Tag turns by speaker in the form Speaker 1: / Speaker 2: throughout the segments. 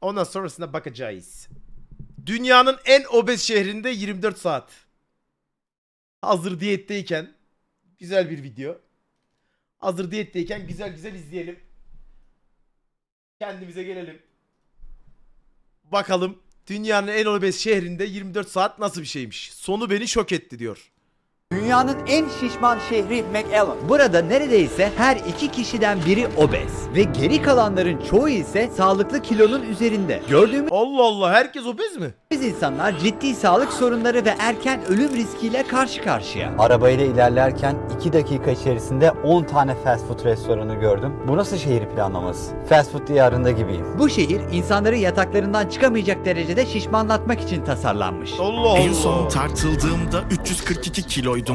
Speaker 1: Ondan sonrasında bakacağız. Dünyanın en obez şehrinde 24 saat. Hazır diyetteyken güzel bir video. Hazır diyetteyken güzel güzel izleyelim. Kendimize gelelim. Bakalım dünyanın en obez şehrinde 24 saat nasıl bir şeymiş. Sonu beni şok etti diyor.
Speaker 2: Dünyanın en şişman şehri McAllen. Burada neredeyse her iki kişiden biri obez ve geri kalanların çoğu ise sağlıklı kilonun üzerinde. Gördüğümüz
Speaker 1: Allah Allah, herkes obez mi?
Speaker 2: insanlar ciddi sağlık sorunları ve erken ölüm riskiyle karşı karşıya.
Speaker 3: Arabayla ilerlerken 2 dakika içerisinde 10 tane fast food restoranı gördüm. Bu nasıl şehir planlaması? Fast food diyarında gibiyim.
Speaker 2: Bu şehir insanları yataklarından çıkamayacak derecede şişmanlatmak için tasarlanmış.
Speaker 1: Allah Allah.
Speaker 4: En son tartıldığımda 342 kiloydum.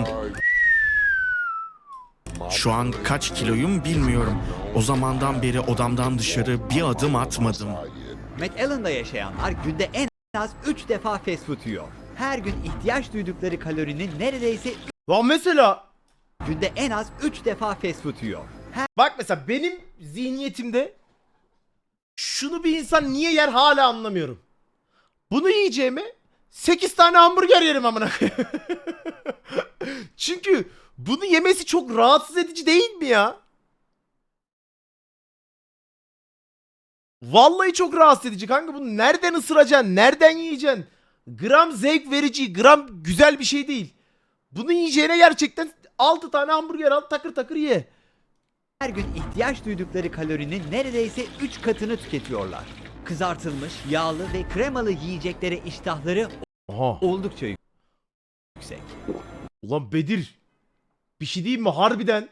Speaker 4: Şu an kaç kiloyum bilmiyorum. O zamandan beri odamdan dışarı bir adım atmadım.
Speaker 2: McAllen'da yaşayanlar günde en az 3 defa fast food yiyor. Her gün ihtiyaç duydukları kalorinin neredeyse
Speaker 1: Lan mesela
Speaker 2: günde en az 3 defa fast food yiyor.
Speaker 1: bak mesela benim zihniyetimde şunu bir insan niye yer hala anlamıyorum. Bunu yiyeceğime 8 tane hamburger yerim amına koyayım. Çünkü bunu yemesi çok rahatsız edici değil mi ya? Vallahi çok rahatsız edici kanka. Bunu nereden ısıracaksın? Nereden yiyeceksin? Gram zevk verici, gram güzel bir şey değil. Bunu yiyeceğine gerçekten 6 tane hamburger al, takır takır ye.
Speaker 2: Her gün ihtiyaç duydukları kalorinin neredeyse 3 katını tüketiyorlar. Kızartılmış, yağlı ve kremalı yiyeceklere iştahları
Speaker 1: Aha.
Speaker 2: oldukça yüksek.
Speaker 1: Ulan Bedir, bir şey diyeyim mi harbiden?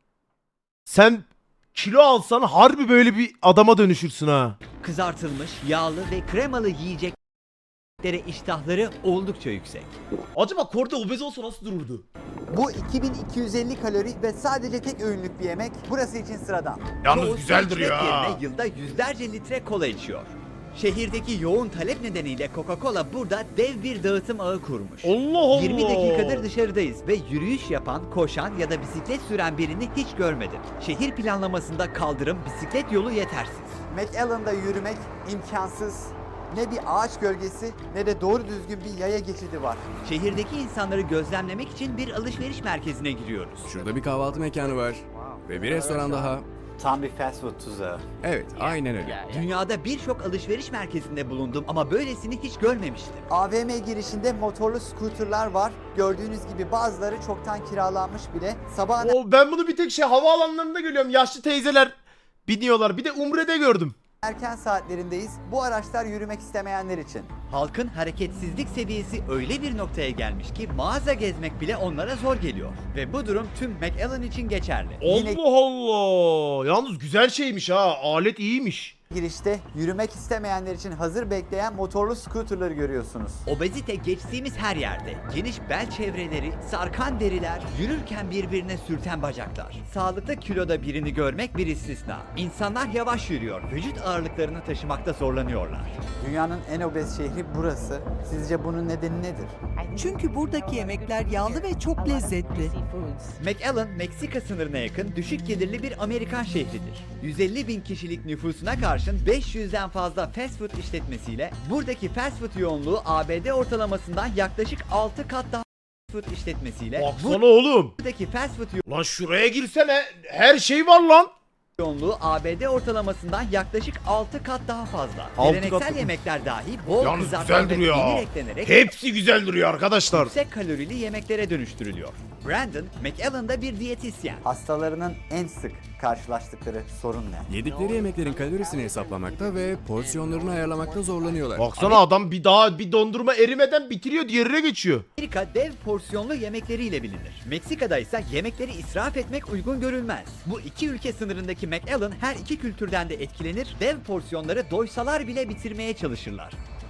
Speaker 1: Sen kilo alsan harbi böyle bir adama dönüşürsün ha.
Speaker 2: Kızartılmış, yağlı ve kremalı yiyeceklere iştahları oldukça yüksek.
Speaker 1: Acaba Korda obez olsa nasıl dururdu?
Speaker 5: Bu 2250 kalori ve sadece tek öğünlük bir yemek burası için sıradan.
Speaker 1: Yalnız
Speaker 2: Çoğu
Speaker 1: güzel
Speaker 2: su
Speaker 1: duruyor
Speaker 2: içmek
Speaker 1: ha.
Speaker 2: yerine yılda yüzlerce litre kola içiyor. Şehirdeki yoğun talep nedeniyle Coca-Cola burada dev bir dağıtım ağı kurmuş.
Speaker 1: Allah Allah.
Speaker 2: 20 dakikadır dışarıdayız ve yürüyüş yapan, koşan ya da bisiklet süren birini hiç görmedim. Şehir planlamasında kaldırım, bisiklet yolu yetersiz.
Speaker 5: McAllen'da yürümek imkansız. Ne bir ağaç gölgesi ne de doğru düzgün bir yaya geçidi var.
Speaker 2: Şehirdeki insanları gözlemlemek için bir alışveriş merkezine giriyoruz.
Speaker 6: Şurada bir kahvaltı mekanı var. Ve bir restoran daha.
Speaker 3: Tam bir fast food tuzağı.
Speaker 6: Evet, aynen öyle.
Speaker 2: Dünyada birçok alışveriş merkezinde bulundum ama böylesini hiç görmemiştim.
Speaker 5: AVM girişinde motorlu scooterlar var. Gördüğünüz gibi bazıları çoktan kiralanmış bile. Sabahın
Speaker 1: Ben bunu bir tek havaalanlarında görüyorum. Yaşlı teyzeler biniyorlar. Bir de Umre'de gördüm.
Speaker 5: erken saatlerindeyiz. Bu araçlar yürümek istemeyenler için.
Speaker 2: Halkın hareketsizlik seviyesi öyle bir noktaya gelmiş ki mağaza gezmek bile onlara zor geliyor. Ve bu durum tüm McAllen için geçerli.
Speaker 1: Allah Allah. Yalnız güzel şeymiş ha. Alet iyiymiş.
Speaker 5: Girişte yürümek istemeyenler için hazır bekleyen motorlu scooterları görüyorsunuz.
Speaker 2: Obezite geçtiğimiz her yerde. Geniş bel çevreleri, sarkan deriler, yürürken birbirine sürten bacaklar. Sağlıklı kiloda birini görmek bir istisna. İnsanlar yavaş yürüyor, vücut ağırlıklarını taşımakta zorlanıyorlar.
Speaker 5: Dünyanın en obez şehri burası. Sizce bunun nedeni nedir?
Speaker 7: Çünkü buradaki yemekler yağlı ve çok lezzetli.
Speaker 2: McAllen, Meksika sınırına yakın düşük gelirli bir Amerikan şehridir. 150 bin kişilik nüfusuna karşın 500'den fazla fast food işletmesiyle buradaki fast food yoğunluğu ABD ortalamasından yaklaşık 6 kat daha fast food işletmesiyle
Speaker 1: Baksana oğlum.
Speaker 2: buradaki fast food
Speaker 1: Lan şuraya girsene. Her şey var lan.
Speaker 2: yoğunluğu ABD ortalamasından yaklaşık 6 kat daha fazla.
Speaker 1: 6
Speaker 2: Geleneksel
Speaker 1: kat mı?
Speaker 2: yemekler dahi bol
Speaker 1: Yalnız
Speaker 2: kızartma
Speaker 1: güzel
Speaker 2: ve
Speaker 1: duruyor
Speaker 2: peynir
Speaker 1: ha.
Speaker 2: eklenerek
Speaker 1: Hepsi güzel duruyor arkadaşlar.
Speaker 2: yüksek kalorili yemeklere dönüştürülüyor. Brandon, McAllen'da bir diyetisyen.
Speaker 5: Hastalarının en sık karşılaştıkları sorun ne?
Speaker 6: Yedikleri yemeklerin kalorisini hesaplamakta ve porsiyonlarını ayarlamakta zorlanıyorlar.
Speaker 1: Baksana adam bir dondurma erimeden bitiriyor, diğerine geçiyor.
Speaker 2: Amerika dev porsiyonlu yemekleriyle bilinir. Meksika'da ise yemekleri israf etmek uygun görülmez. Bu iki ülke sınırındaki McAllen her iki kültürden de etkilenir, dev porsiyonları doysalar bile bitirmeye çalışırlar.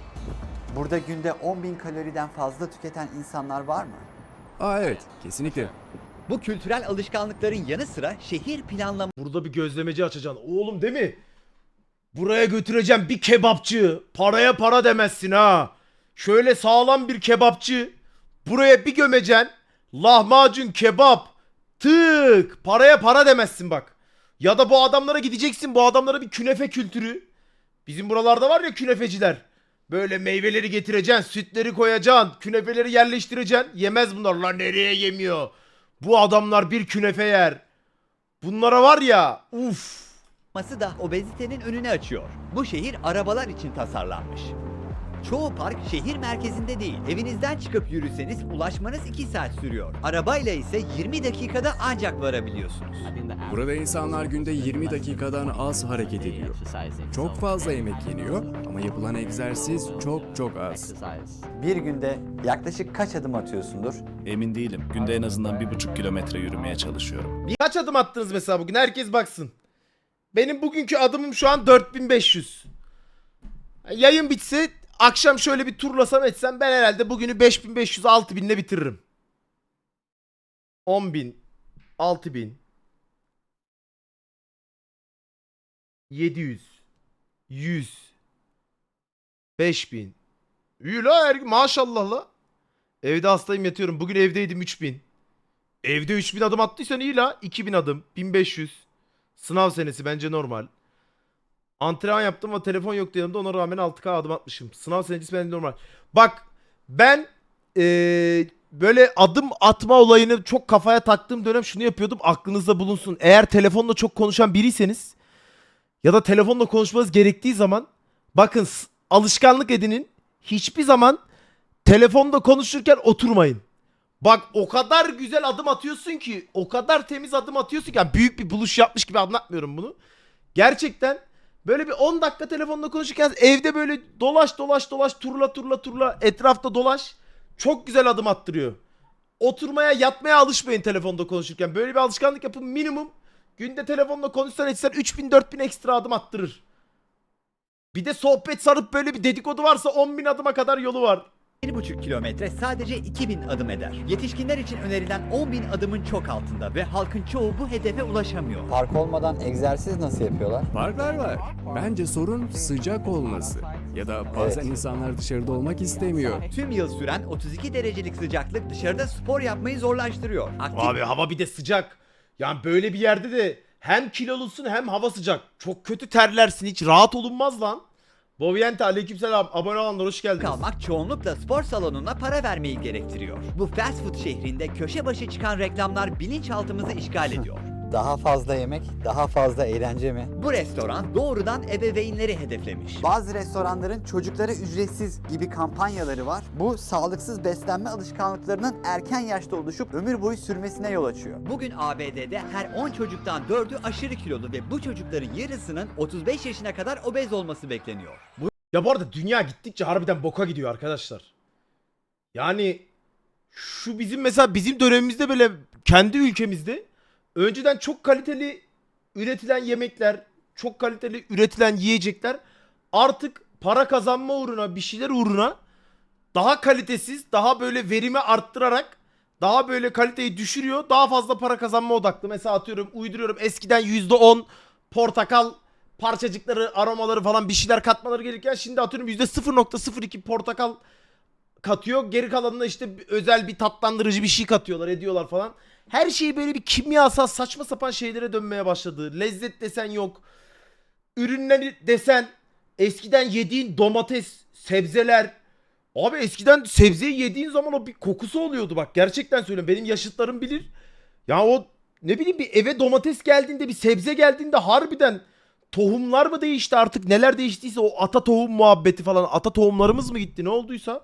Speaker 5: Burada günde 10.000 kaloriden fazla tüketen insanlar var mı?
Speaker 6: Aa evet, kesinlikle.
Speaker 2: Bu kültürel alışkanlıkların yanı sıra şehir planlaması
Speaker 1: Burada bir gözlemeci açacaksın. Oğlum değil mi? Buraya götüreceğim bir kebapçı. Paraya para demezsin ha. Şöyle sağlam bir kebapçı. Buraya bir gömeceksin. Lahmacun kebap. Tık. Paraya para demezsin bak. Ya da bu adamlara gideceksin. Bu adamlara bir künefe kültürü. Bizim buralarda var ya künefeciler. Böyle meyveleri getireceksin, sütleri koyacaksın, künefeleri yerleştireceksin. Yemez bunlar. Lan nereye yemiyor? Bu adamlar bir künefe yer. Bunlara var ya, uf.
Speaker 2: Olması da obezitenin önünü açıyor. Bu şehir arabalar için tasarlanmış. Çoğu park şehir merkezinde değil. Evinizden çıkıp yürüseniz ulaşmanız 2 saat sürüyor. Arabayla ise 20 dakikada ancak varabiliyorsunuz.
Speaker 6: Burada insanlar günde 20 dakikadan az hareket ediyor. Çok fazla yemek yeniyor ama yapılan egzersiz çok az.
Speaker 3: Bir günde yaklaşık kaç adım atıyorsundur?
Speaker 8: Emin değilim. Günde en azından 1,5 kilometre yürümeye çalışıyorum.
Speaker 1: Kaç adım attınız mesela bugün? Herkes baksın. Benim bugünkü adımım şu an 4500. Yayın bitse akşam şöyle bir turlasam etsem ben herhalde bugünü 5500-6000 ile bitiririm. 10.000, 6.000, 700, 100, 5.000. İyi la maşallah la. Evde hastayım yatıyorum. Bugün evdeydim 3000. Evde 3000 adım attıysan iyi la. 2000 adım, 1500. Sınav senesi bence normal. Antrenman yaptım ama telefon yoktu yanımda, ona rağmen 6K adım atmışım. Sınav senesi bence normal. Bak ben böyle adım atma olayını çok kafaya taktığım dönem şunu yapıyordum, aklınızda bulunsun. Eğer telefonla çok konuşan biriyseniz ya da telefonla konuşmanız gerektiği zaman bakın alışkanlık edinin, hiçbir zaman telefonda konuşurken oturmayın. Bak o kadar güzel adım atıyorsun ki, o kadar temiz adım atıyorsun ki, yani büyük bir buluş yapmış gibi anlatmıyorum bunu. Gerçekten böyle bir 10 dakika telefonla konuşurken evde böyle dolaş turla etrafta dolaş. Çok güzel adım attırıyor. Oturmaya yatmaya alışmayın telefonda konuşurken. Böyle bir alışkanlık yapın, minimum. Günde telefonla konuşsan etsen 3000-4000 ekstra adım attırır. Bir de sohbet sarıp böyle bir dedikodu varsa 10.000 adıma kadar yolu var.
Speaker 2: 1,5 kilometre sadece 2000 adım eder. Yetişkinler için önerilen 10.000 adımın çok altında ve halkın çoğu bu hedefe ulaşamıyor.
Speaker 3: Park olmadan egzersiz nasıl yapıyorlar?
Speaker 6: Parklar var. Bence sorun sıcak olması. Ya da bazen
Speaker 3: Evet.
Speaker 6: insanlar dışarıda olmak istemiyor.
Speaker 2: Tüm yıl süren 32 derecelik sıcaklık dışarıda spor yapmayı zorlaştırıyor. Aktif
Speaker 1: Abi hava bir de sıcak. Yani böyle bir yerde de hem kilolusun hem hava sıcak. Çok kötü terlersin, hiç rahat olunmaz lan. Boviente aleykümselam, abone olanlar hoş geldiniz.
Speaker 2: kalmak çoğunlukla spor salonuna para vermeyi gerektiriyor. Bu fast food şehrinde köşe başı çıkan reklamlar bilinçaltımızı işgal ediyor.
Speaker 3: Daha fazla yemek, daha fazla eğlence mi?
Speaker 2: Bu restoran doğrudan ebeveynleri hedeflemiş.
Speaker 5: Bazı restoranların çocuklara ücretsiz gibi kampanyaları var. Bu sağlıksız beslenme alışkanlıklarının erken yaşta oluşup ömür boyu sürmesine yol açıyor.
Speaker 2: Bugün ABD'de her 10 çocuktan 4'ü aşırı kilolu ve bu çocukların yarısının 35 yaşına kadar obez olması bekleniyor.
Speaker 1: Ya bu arada dünya gittikçe harbiden boka gidiyor arkadaşlar. Yani şu bizim mesela bizim dönemimizde böyle kendi ülkemizde önceden çok kaliteli üretilen yemekler, çok kaliteli üretilen yiyecekler artık para kazanma uğruna, bir şeyler uğruna daha kalitesiz, daha böyle verimi arttırarak daha böyle kaliteyi düşürüyor. Daha fazla para kazanma odaklı. Mesela atıyorum, uyduruyorum, eskiden %10 portakal parçacıkları, aromaları falan bir şeyler katmaları gerekirken şimdi atıyorum %0.02 portakal katıyor. Geri kalanına işte özel bir tatlandırıcı bir şey katıyorlar, ediyorlar falan. Her şey böyle bir kimyasal saçma sapan şeylere dönmeye başladı. Lezzet desen yok. Ürünleri desen, eskiden yediğin domates, sebzeler. Abi eskiden sebzeyi yediğin zaman o bir kokusu oluyordu, bak gerçekten söylüyorum. Benim yaşıtlarım bilir. Ya o ne bileyim, bir eve domates geldiğinde, bir sebze geldiğinde harbiden tohumlar mı değişti artık, neler değiştiyse, o ata tohum muhabbeti falan, ata tohumlarımız mı gitti, ne olduysa.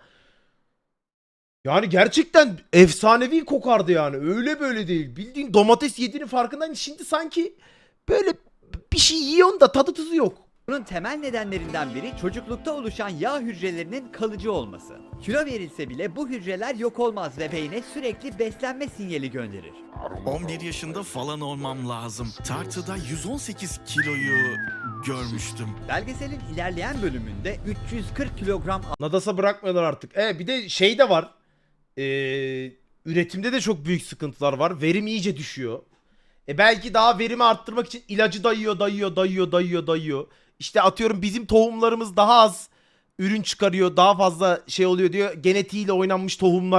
Speaker 1: Yani gerçekten efsanevi kokardı yani, öyle böyle değil. Bildiğin domates yediğinin farkındayım. Şimdi sanki böyle bir şey yiyorsun da tadı tuzu yok.
Speaker 2: Bunun temel nedenlerinden biri çocuklukta oluşan yağ hücrelerinin kalıcı olması. Kilo verilse bile bu hücreler yok olmaz ve beyne sürekli beslenme sinyali gönderir.
Speaker 4: 11 yaşında falan olmam lazım. Tartıda 118 kiloyu görmüştüm.
Speaker 2: Belgeselin ilerleyen bölümünde 340 kilogram
Speaker 1: Nadas'a bırakmıyorlar artık. Bir de şey de var. Üretimde de çok büyük sıkıntılar var. Verim iyice düşüyor. Belki daha verimi arttırmak için ilacı dayıyor. İşte atıyorum bizim tohumlarımız daha az ürün çıkarıyor, daha fazla şey oluyor diyor. Genetiğiyle oynanmış tohumlar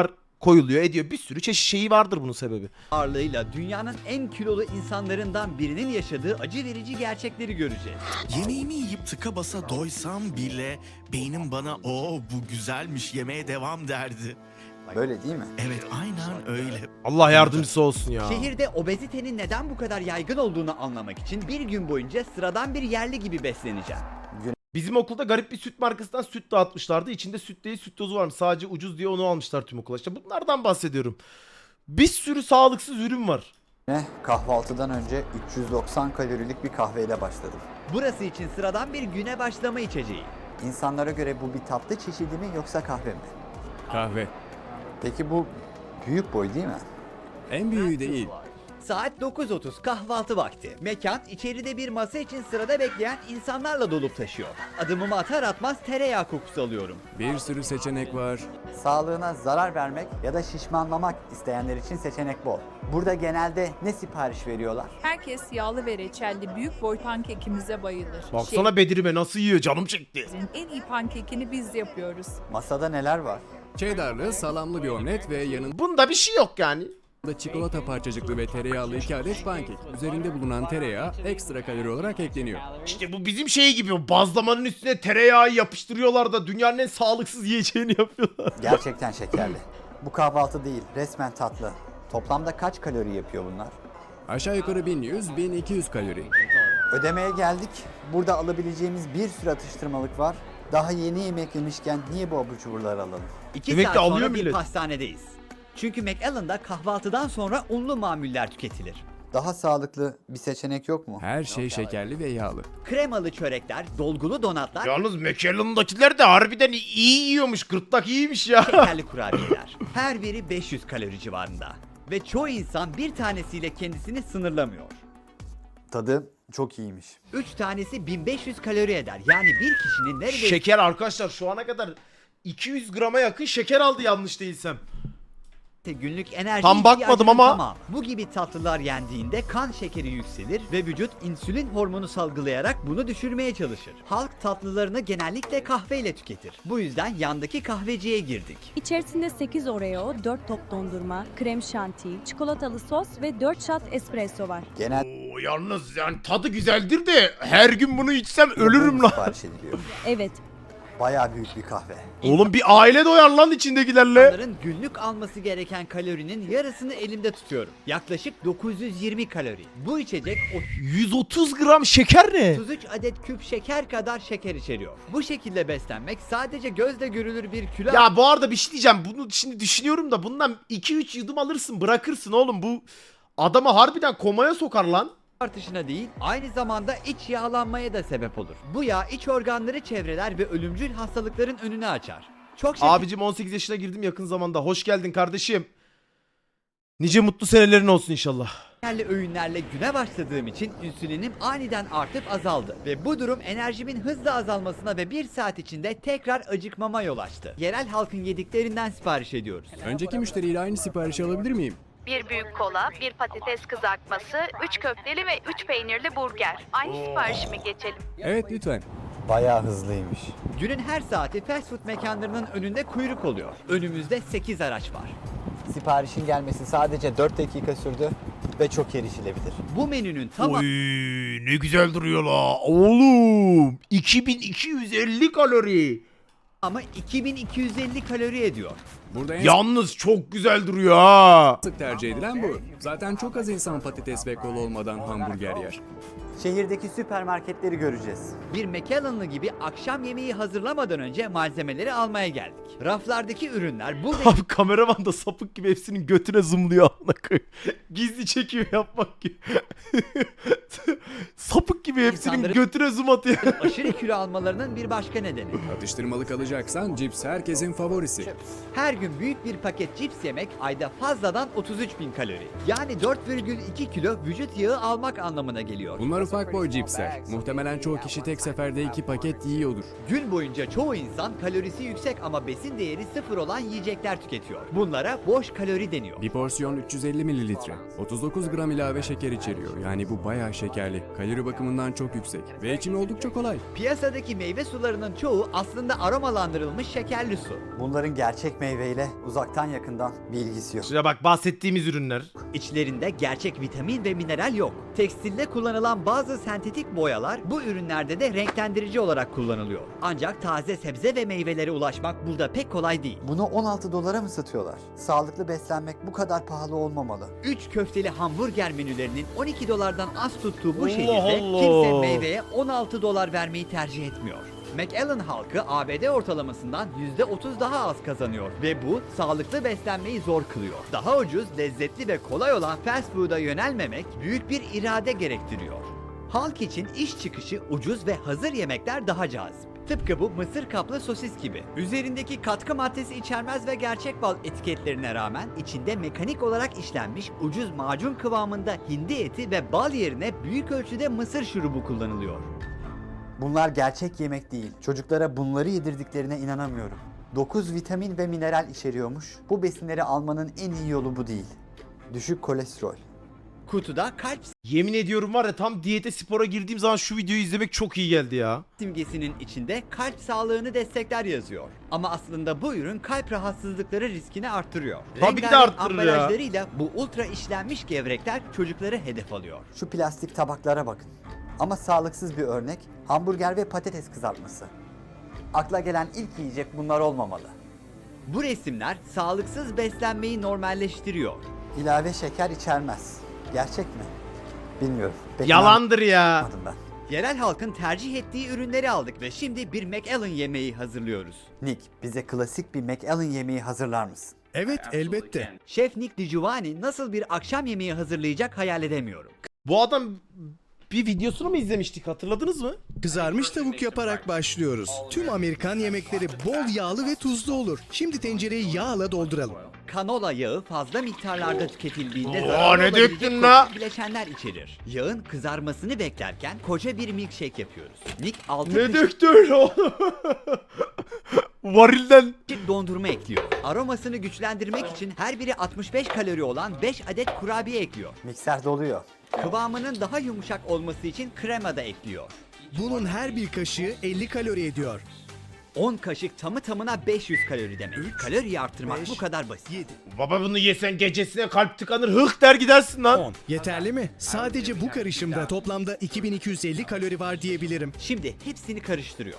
Speaker 1: koyuluyor ediyor. Bir sürü çeşit şeyi vardır bunun sebebi.
Speaker 2: ağırlığıyla dünyanın en kilolu insanlarından birinin yaşadığı acı verici gerçekleri göreceğiz.
Speaker 4: Yemeğimi yiyip tıka basa doysam bile beynim bana o bu güzelmiş yemeye devam derdi.
Speaker 5: Böyle değil mi?
Speaker 4: Evet aynen öyle.
Speaker 1: Allah yardımcısı olsun ya.
Speaker 2: Şehirde obezitenin neden bu kadar yaygın olduğunu anlamak için bir gün boyunca sıradan bir yerli gibi besleneceğim.
Speaker 1: Bizim okulda garip bir süt markasından süt dağıtmışlardı. İçinde süt değil süt tozu varmış. Sadece ucuz diye onu almışlar tüm okula. İşte bunlardan bahsediyorum. Bir sürü sağlıksız ürün var.
Speaker 5: Kahvaltıdan önce 390 kalorilik bir kahveyle başladım.
Speaker 2: Burası için sıradan bir güne başlama içeceği.
Speaker 5: İnsanlara göre bu bir tatlı çeşidi mi yoksa kahve mi?
Speaker 6: Kahve.
Speaker 5: Peki bu büyük boy değil mi?
Speaker 6: En büyüğü değil.
Speaker 2: Saat 9:30 kahvaltı vakti. Mekan içeride bir masa için sırada bekleyen insanlarla dolup taşıyor. Adımımı atar atmaz tereyağı kokusu alıyorum.
Speaker 6: Bir sürü seçenek var.
Speaker 5: Sağlığına zarar vermek ya da şişmanlamak isteyenler için seçenek bol. Burada genelde ne sipariş veriyorlar?
Speaker 9: Herkes yağlı ve reçelli büyük boy pankekimize bayılır.
Speaker 1: Baksana Bedirime nasıl yiyor canım çekti.
Speaker 9: Şehrimizin en iyi pankekini biz yapıyoruz.
Speaker 5: Masada neler var?
Speaker 6: Cheddarlı, salamlı bir omlet ve yanında
Speaker 1: Bunda bir şey yok yani.
Speaker 6: çikolata parçacıklı ve tereyağlı 2 adet pankek. Üzerinde bulunan tereyağı ekstra kalori olarak ekleniyor.
Speaker 1: İşte bu bizim şey gibi bazlamanın üstüne tereyağı yapıştırıyorlar da dünyanın en sağlıksız yiyeceğini yapıyorlar.
Speaker 5: Gerçekten şekerli. Bu kahvaltı değil, resmen tatlı. Toplamda kaç kalori yapıyor bunlar?
Speaker 6: Aşağı yukarı 1100-1200 kalori.
Speaker 5: Ödemeye geldik. Burada alabileceğimiz bir sürü atıştırmalık var. Daha yeni yemek yemişken niye bu abur cuburları alalım?
Speaker 2: 2
Speaker 1: Demek
Speaker 2: saat
Speaker 1: ki alıyor
Speaker 2: sonra bir
Speaker 1: millet.
Speaker 2: pastanedeyiz. Çünkü McAllen'da kahvaltıdan sonra unlu mamuller tüketilir.
Speaker 5: Daha sağlıklı bir seçenek yok mu?
Speaker 6: Her şey şekerli ve yağlı.
Speaker 2: Kremalı çörekler, dolgulu donatlar,
Speaker 1: Yalnız McAllen'dakiler de harbiden iyi yiyormuş. Gırtlak iyiymiş ya.
Speaker 2: şekerli kurabiyeler. Her biri 500 kalori civarında. Ve çoğu insan bir tanesiyle kendisini sınırlamıyor.
Speaker 5: Tadı çok iyiymiş.
Speaker 2: 3 tanesi 1500 kalori eder. Yani bir kişinin neredeyse
Speaker 1: Şeker arkadaşlar şu ana kadar 200 grama yakın şeker aldı yanlış değilsem.
Speaker 2: günlük enerji
Speaker 1: Tam bakmadım
Speaker 2: ihtiyacının
Speaker 1: ama-
Speaker 2: tamamı. Bu gibi tatlılar yendiğinde kan şekeri yükselir ve vücut insülin hormonu salgılayarak bunu düşürmeye çalışır. Halk tatlılarını genellikle kahveyle tüketir. Bu yüzden yandaki kahveciye girdik.
Speaker 10: İçerisinde 8 Oreo, 4 top dondurma, krem şanti, çikolatalı sos ve 4 shot espresso var.
Speaker 1: Oo, yalnız yani tadı güzeldir de her gün bunu içsem ölürüm lan.
Speaker 5: Sipariş ediliyor.
Speaker 10: Evet,
Speaker 5: Bayağı büyük bir kahve.
Speaker 1: Oğlum bir aile doyar lan içindekilerle.
Speaker 2: İnsanların günlük alması gereken kalorinin yarısını elimde tutuyorum. Yaklaşık 920 kalori. Bu içecek
Speaker 1: 130 gram şeker ne?
Speaker 2: 33 adet küp şeker kadar şeker içeriyor. Bu şekilde beslenmek sadece gözle görülür bir kilo
Speaker 1: Ya bu arada bir şey diyeceğim. Bunu şimdi düşünüyorum da bundan 2-3 yudum alırsın bırakırsın oğlum. Bu adamı harbiden komaya sokar lan.
Speaker 2: artışına değil, aynı zamanda iç yağlanmaya da sebep olur. Bu yağ iç organları çevreler ve ölümcül hastalıkların önünü açar. Çok
Speaker 1: Abicim 18 yaşına girdim yakın zamanda. Hoş geldin kardeşim. Nice mutlu senelerin olsun inşallah.
Speaker 2: şekerli öğünlerle güne başladığım için insülinim aniden artıp azaldı. Ve bu durum enerjimin hızla azalmasına ve 1 saat içinde tekrar acıkmama yol açtı. Yerel halkın yediklerinden sipariş ediyoruz.
Speaker 6: Önceki müşteriyle aynı siparişi alabilir miyim?
Speaker 9: Bir büyük kola, bir patates kızartması, 3 köfteli ve 3 peynirli burger. Aynı siparişi mi geçelim?
Speaker 6: Evet lütfen.
Speaker 3: Bayağı hızlıymış.
Speaker 2: Günün her saati fast food mekanlarının önünde kuyruk oluyor. Önümüzde 8 araç var.
Speaker 3: Siparişin gelmesi sadece 4 dakika sürdü ve çok erişilebilir.
Speaker 2: Bu menünün tamamı
Speaker 1: Oy ne güzel duruyor la. Oğlum 2250 kalori.
Speaker 2: ama 2250 kalori ediyor.
Speaker 6: Burada en
Speaker 1: Yalnız çok güzel duruyor ha.
Speaker 6: sık tercih edilen bu. Zaten çok az insan patates ve kola olmadan hamburger yer.
Speaker 5: Şehirdeki süpermarketleri göreceğiz.
Speaker 2: Bir McAllen'lı gibi akşam yemeği hazırlamadan önce malzemeleri almaya geldik. Raflardaki ürünler burada
Speaker 1: Abi kameraman da sapık gibi hepsinin götüne zoomluyor amına koyayım. Gizli çekim yapmak gibi. Sapık gibi hepsinin
Speaker 2: İnsanların-
Speaker 1: götüne zoom atıyor.
Speaker 2: aşırı kilo almalarının bir başka nedeni.
Speaker 6: Atıştırmalık alacaksan cips herkesin favorisi.
Speaker 2: Her gün büyük bir paket cips yemek ayda fazladan 33.000 kalori. Yani 4,2 kilo vücut yağı almak anlamına geliyor.
Speaker 6: Bunlar ufak boy cipsler. Muhtemelen çoğu kişi tek seferde 2 paket yiyordur.
Speaker 2: Gün boyunca çoğu insan kalorisi yüksek ama besin değeri sıfır olan yiyecekler tüketiyor. Bunlara boş kalori deniyor.
Speaker 6: Bir porsiyon 350 mililitre. 39 gram ilave şeker içeriyor. Yani bu bayağı şekerli. Kalori bakımından çok yüksek. Ve içimi oldukça kolay.
Speaker 2: Piyasadaki meyve sularının çoğu aslında aromalandırılmış şekerli su.
Speaker 3: Bunların gerçek meyveyle uzaktan yakından bir ilgisi yok.
Speaker 1: Şuraya bak, bahsettiğimiz ürünler.
Speaker 2: İçlerinde gerçek vitamin ve mineral yok. Tekstilde kullanılan bazı sentetik boyalar bu ürünlerde de renklendirici olarak kullanılıyor. Ancak taze sebze ve meyvelere ulaşmak burada pek kolay değil.
Speaker 5: Bunu 16 dolara mı satıyorlar? Sağlıklı beslenmek bu kadar pahalı olmamalı.
Speaker 2: 3 köfteli hamburger menülerinin 12 dolardan az tuttuğu bu
Speaker 1: Allah
Speaker 2: şehirde
Speaker 1: Allah.
Speaker 2: kimse meyveye 16 dolar vermeyi tercih etmiyor. McAllen halkı ABD ortalamasından %30 daha az kazanıyor ve bu sağlıklı beslenmeyi zor kılıyor. Daha ucuz, lezzetli ve kolay olan fast food'a yönelmemek büyük bir irade gerektiriyor. Halk için iş çıkışı ucuz ve hazır yemekler daha cazip. Tıpkı bu mısır kaplı sosis gibi. Üzerindeki katkı maddesi içermez ve gerçek bal etiketlerine rağmen içinde mekanik olarak işlenmiş ucuz macun kıvamında hindi eti ve bal yerine büyük ölçüde mısır şurubu kullanılıyor.
Speaker 5: Bunlar gerçek yemek değil. Çocuklara bunları yedirdiklerine inanamıyorum. 9 vitamin ve mineral içeriyormuş. Bu besinleri almanın en iyi yolu bu değil. Düşük kolesterol.
Speaker 2: Kutuda kalp
Speaker 1: Yemin ediyorum var ya, tam diyete spora girdiğim zaman şu videoyu izlemek çok iyi geldi ya.
Speaker 2: simgesinin içinde kalp sağlığını destekler yazıyor. Ama aslında bu ürün kalp rahatsızlıkları riskini arttırıyor.
Speaker 1: Tabii ki de
Speaker 2: Rengarenk
Speaker 1: arttırır ya.
Speaker 2: ambalajlarıyla bu ultra işlenmiş gevrekler çocukları hedef alıyor.
Speaker 5: Şu plastik tabaklara bakın. Ama sağlıksız bir örnek hamburger ve patates kızartması. Akla gelen ilk yiyecek bunlar olmamalı.
Speaker 2: Bu resimler sağlıksız beslenmeyi normalleştiriyor.
Speaker 5: İlave şeker içermez. Gerçek mi? Bilmiyorum. Pek
Speaker 1: Yalandır ya.
Speaker 5: inanmadım ben.
Speaker 2: Yerel halkın tercih ettiği ürünleri aldık ve şimdi bir McAllen yemeği hazırlıyoruz.
Speaker 5: Nick, bize klasik bir McAllen yemeği hazırlar mısın?
Speaker 8: Evet, elbette.
Speaker 2: Şef Nick DiGiovanni nasıl bir akşam yemeği hazırlayacak hayal edemiyorum.
Speaker 1: Bu adam bir videosunu mu izlemiştik, hatırladınız mı?
Speaker 11: Kızarmış tavuk yaparak başlıyoruz. Tüm Amerikan yemekleri bol yağlı ve tuzlu olur. Şimdi tencereyi yağla dolduralım.
Speaker 2: Kanola yağı fazla miktarlarda tüketildiğinde
Speaker 1: Oo,
Speaker 2: zararlı
Speaker 1: ne
Speaker 2: olabilecek
Speaker 1: döktün la?
Speaker 2: toksik bileşenler içerir. Yağın kızarmasını beklerken koca bir milkshake yapıyoruz. Nick 6
Speaker 1: Ne döktü öyle oğlum? Varilden.
Speaker 2: dondurma ekliyor. Aromasını güçlendirmek için her biri 65 kalori olan 5 adet kurabiye ekliyor.
Speaker 5: Mikser doluyor.
Speaker 2: Kıvamının daha yumuşak olması için krema da ekliyor.
Speaker 11: Bunun her bir kaşığı 50 kalori ediyor.
Speaker 2: 10 kaşık tamı tamına 500 kalori demek. Kaloriyi arttırmak
Speaker 11: 5,
Speaker 2: bu kadar basit.
Speaker 11: 7,
Speaker 1: Baba bunu yesen gecesine kalp tıkanır, hıh der gidersin lan.
Speaker 11: 10. Yeterli mi? Sadece bu karışımda toplamda 2250 kalori var diyebilirim.
Speaker 2: Şimdi hepsini karıştırıyor.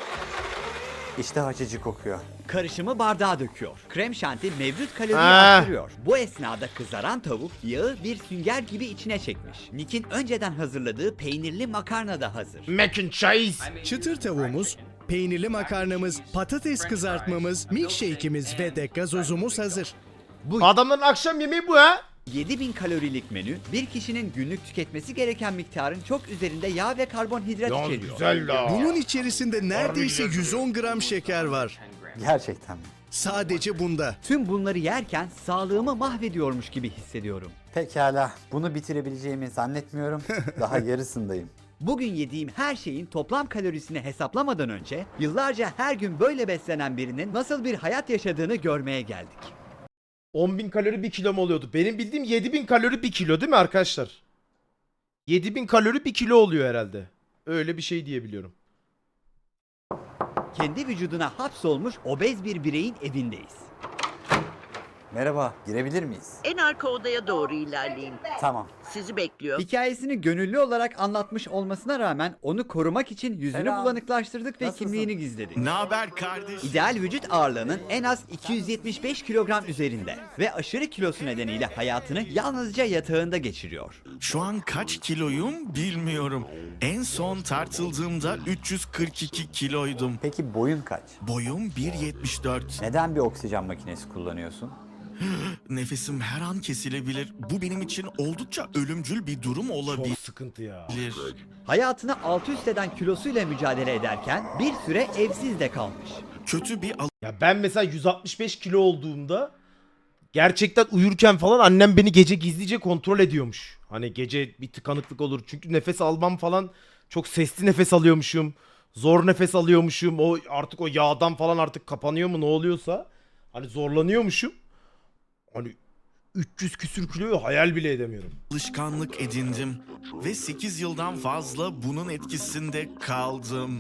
Speaker 5: İşte açıcı kokuyor.
Speaker 2: Karışımı bardağa döküyor. Krem şanti mevcut kaloriyi
Speaker 1: Ah.
Speaker 2: arttırıyor. Bu esnada kızaran tavuk yağı bir sünger gibi içine çekmiş. Nick'in önceden hazırladığı peynirli makarna da hazır.
Speaker 1: Mac and cheese.
Speaker 11: Çıtır tavuğumuz, peynirli makarnamız, patates kızartmamız, milkshake'imiz ve de gazozumuz hazır.
Speaker 1: Adamların akşam yemeği bu ha.
Speaker 2: 7000 kalorilik menü bir kişinin günlük tüketmesi gereken miktarın çok üzerinde yağ ve karbonhidrat
Speaker 1: Ya
Speaker 2: içeriyor.
Speaker 1: güzel la.
Speaker 11: Bunun içerisinde neredeyse 110 gram şeker var.
Speaker 5: Gerçekten mi?
Speaker 11: Sadece bunda.
Speaker 2: Tüm bunları yerken sağlığımı mahvediyormuş gibi hissediyorum.
Speaker 5: Pekala. Bunu bitirebileceğimi zannetmiyorum. Daha yarısındayım.
Speaker 2: Bugün yediğim her şeyin toplam kalorisini hesaplamadan önce yıllarca her gün böyle beslenen birinin nasıl bir hayat yaşadığını görmeye geldik.
Speaker 1: 10.000 kalori 1 kilo mu oluyordu? Benim bildiğim 7.000 kalori 1 kilo değil mi arkadaşlar? 7.000 kalori 1 kilo oluyor herhalde. Öyle bir şey diyebiliyorum.
Speaker 2: Kendi vücuduna hapsolmuş obez bir bireyin evindeyiz.
Speaker 5: Merhaba, girebilir miyiz?
Speaker 12: En arka odaya doğru ilerleyin.
Speaker 5: Tamam.
Speaker 12: Sizi bekliyor.
Speaker 2: Hikayesini gönüllü olarak anlatmış olmasına rağmen onu korumak için yüzünü
Speaker 5: Selam.
Speaker 2: bulanıklaştırdık ve
Speaker 5: Nasılsın?
Speaker 2: kimliğini gizledik.
Speaker 4: Ne haber kardeş?
Speaker 2: İdeal vücut ağırlığının en az 275 kilogram üzerinde ve aşırı kilosu nedeniyle hayatını yalnızca yatağında geçiriyor.
Speaker 4: Şu an kaç kiloyum bilmiyorum. En son tartıldığımda 342 kiloydum.
Speaker 5: Peki boyun kaç?
Speaker 4: Boyum 1.74.
Speaker 5: Neden bir oksijen makinesi kullanıyorsun?
Speaker 4: Nefesim her an kesilebilir. Bu benim için oldukça ölümcül bir durum olabilir.
Speaker 1: Çok sıkıntı ya.
Speaker 2: Hayatını alt üst eden kilosuyla mücadele ederken bir süre evsiz de kalmış.
Speaker 4: Kötü bir
Speaker 1: Ya ben mesela 165 kilo olduğumda gerçekten uyurken falan annem beni gece gizlice kontrol ediyormuş. Hani gece bir tıkanıklık olur. Çünkü nefes almam falan çok sesli nefes alıyormuşum. Zor nefes alıyormuşum. O artık o yağdan falan artık kapanıyor mu ne oluyorsa. Hani zorlanıyormuşum. Hani 300 küsür kiloyu hayal bile edemiyorum.
Speaker 4: Alışkanlık edindim ve 8 yıldan fazla bunun etkisinde kaldım.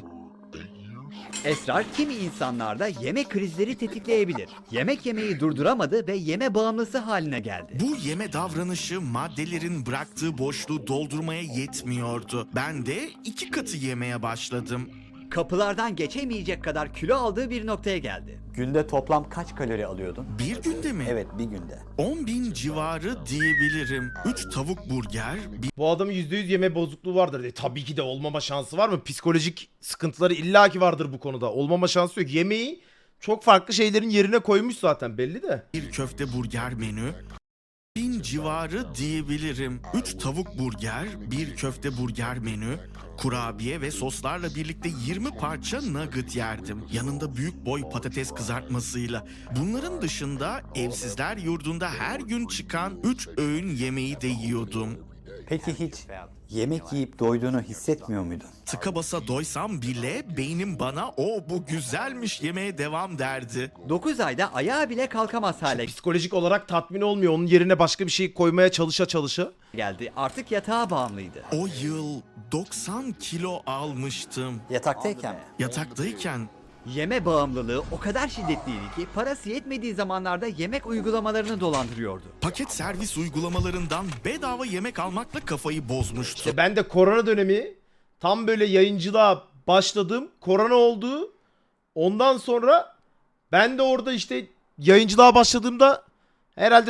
Speaker 2: Esrar kimi insanlarda yemek krizleri tetikleyebilir. Yemek yemeyi durduramadı ve yeme bağımlısı haline geldi.
Speaker 4: Bu yeme davranışı maddelerin bıraktığı boşluğu doldurmaya yetmiyordu. Ben de 2 katı yemeye başladım.
Speaker 2: Kapılardan geçemeyecek kadar kilo aldığı bir noktaya geldi.
Speaker 5: Günde toplam kaç kalori alıyordun?
Speaker 4: Bir günde mi?
Speaker 5: Evet, bir günde.
Speaker 4: 10.000 civarı diyebilirim. 3 tavuk burger,
Speaker 1: Bu adamın %100 yeme bozukluğu vardır. Tabii ki de olmama şansı var mı? Psikolojik sıkıntıları illaki vardır bu konuda. Olmama şansı yok. Yemeği çok farklı şeylerin yerine koymuş zaten belli de.
Speaker 4: bir köfte burger menü, 1000 civarı diyebilirim. 3 tavuk burger, bir köfte burger menü, kurabiye ve soslarla birlikte 20 parça nugget yerdim. Yanında büyük boy patates kızartmasıyla. Bunların dışında evsizler yurdunda her gün çıkan 3 öğün yemeği de yiyordum.
Speaker 5: Peki hiç yemek yiyip doyduğunu hissetmiyor muydun?
Speaker 4: Tıka basa doysam bile beynim bana "O bu güzelmiş, yemeye devam" derdi.
Speaker 2: 9 ayda ayağa bile kalkamaz hale
Speaker 1: Psikolojik olarak tatmin olmuyor. Onun yerine başka bir şey koymaya çalışa.
Speaker 2: geldi. Artık yatağa bağımlıydı.
Speaker 4: O yıl 90 kilo almıştım.
Speaker 5: Yataktayken mi?
Speaker 4: Yataktayken
Speaker 2: Yeme bağımlılığı o kadar şiddetliydi ki parası yetmediği zamanlarda yemek uygulamalarını dolandırıyordu.
Speaker 4: paket servis uygulamalarından bedava yemek almakla kafayı bozmuştu.
Speaker 1: İşte ben de korona dönemi tam böyle yayıncılığa başladım. Korona oldu. Ondan sonra ben de orada işte yayıncılığa başladığımda herhalde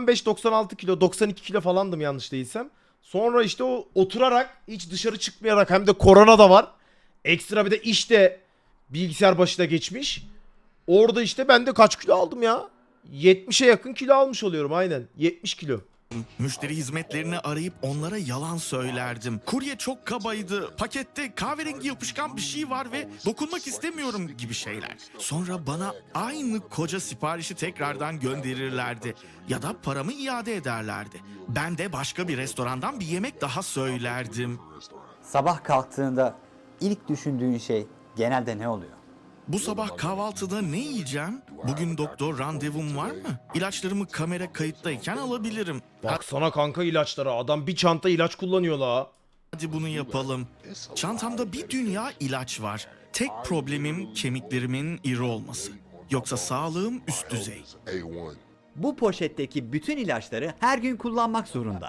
Speaker 1: 95-96 kilo, 92 kilo falandım yanlış değilsem. Sonra işte o oturarak hiç dışarı çıkmayarak hem de korona da var. Ekstra bir de işte bilgisayar başına geçmiş. Orada işte ben de kaç kilo aldım ya? 70'e yakın kilo almış oluyorum aynen. 70 kilo.
Speaker 4: Müşteri hizmetlerini arayıp onlara yalan söylerdim. Kurye çok kabaydı, pakette kahverengi yapışkan bir şey var ve dokunmak istemiyorum gibi şeyler. Sonra bana aynı koca siparişi tekrardan gönderirlerdi ya da paramı iade ederlerdi. Ben de başka bir restorandan bir yemek daha söylerdim.
Speaker 5: Sabah kalktığında ilk düşündüğün şey genelde ne oluyor?
Speaker 4: Bu sabah kahvaltıda ne yiyeceğim? Bugün doktor randevum var mı? İlaçlarımı kamera kayıttayken alabilirim.
Speaker 1: Baksana kanka ilaçlara. Adam bir çanta ilaç kullanıyor la.
Speaker 4: Hadi bunu yapalım. Çantamda bir dünya ilaç var. Tek problemim kemiklerimin iri olması. Yoksa sağlığım üst düzey.
Speaker 2: Bu poşetteki bütün ilaçları her gün kullanmak zorunda.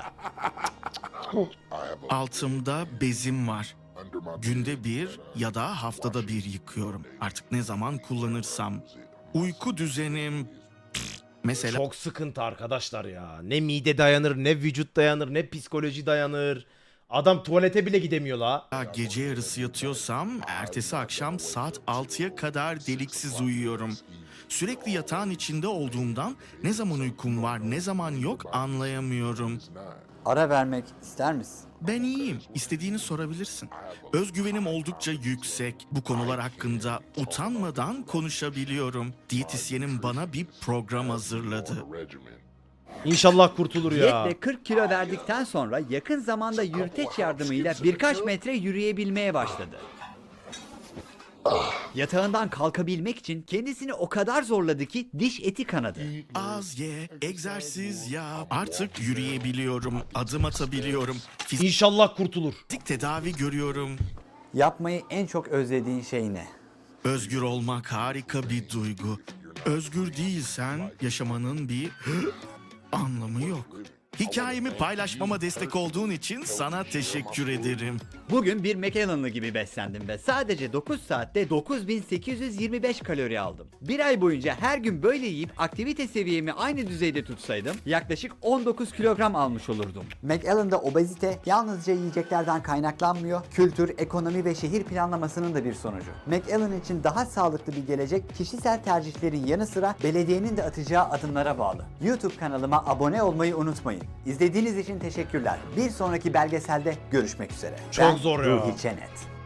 Speaker 4: Altımda bezim var. Günde bir ya da haftada bir yıkıyorum. Artık ne zaman kullanırsam. Uyku düzenim... Mesela
Speaker 1: Çok sıkıntı arkadaşlar ya. Ne mide dayanır, ne vücut dayanır, ne psikoloji dayanır. Adam tuvalete bile gidemiyor la.
Speaker 4: gece yarısı yatıyorsam ertesi akşam saat 6'ya kadar deliksiz uyuyorum. Sürekli yatağın içinde olduğumdan ne zaman uykum var ne zaman yok anlayamıyorum.
Speaker 5: Ara vermek ister misin?
Speaker 4: Ben iyiyim. İstediğini sorabilirsin. Özgüvenim oldukça yüksek. Bu konular hakkında utanmadan konuşabiliyorum. Diyetisyenim bana bir program hazırladı.
Speaker 1: İnşallah kurtulur ya.
Speaker 2: Diyetle 40 kilo verdikten sonra yakın zamanda yürüteç yardımıyla birkaç metre yürüyebilmeye başladı. Yatağından kalkabilmek için kendisini o kadar zorladı ki diş eti kanadı.
Speaker 4: Az ye, egzersiz yap. Artık yürüyebiliyorum, adım atabiliyorum.
Speaker 1: İnşallah kurtulur.
Speaker 4: Fizik tedavi görüyorum.
Speaker 5: Yapmayı en çok özlediğin şey ne?
Speaker 4: Özgür olmak harika bir duygu. Özgür değilsen yaşamanın bir anlamı yok. Hikayemi paylaşmama destek olduğun için sana teşekkür ederim.
Speaker 2: Bugün bir McAllen'lı gibi beslendim ve sadece 9 saatte 9825 kalori aldım. Bir ay boyunca her gün böyle yiyip aktivite seviyemi aynı düzeyde tutsaydım yaklaşık 19 kilogram almış olurdum.
Speaker 5: McAllen'da obezite yalnızca yiyeceklerden kaynaklanmıyor, kültür, ekonomi ve şehir planlamasının da bir sonucu. McAllen için daha sağlıklı bir gelecek kişisel tercihlerin yanı sıra belediyenin de atacağı adımlara bağlı. YouTube kanalıma abone olmayı unutmayın. İzlediğiniz için teşekkürler. Bir sonraki belgeselde görüşmek üzere.
Speaker 1: Çok zor ya.
Speaker 5: Ruhi Çenet.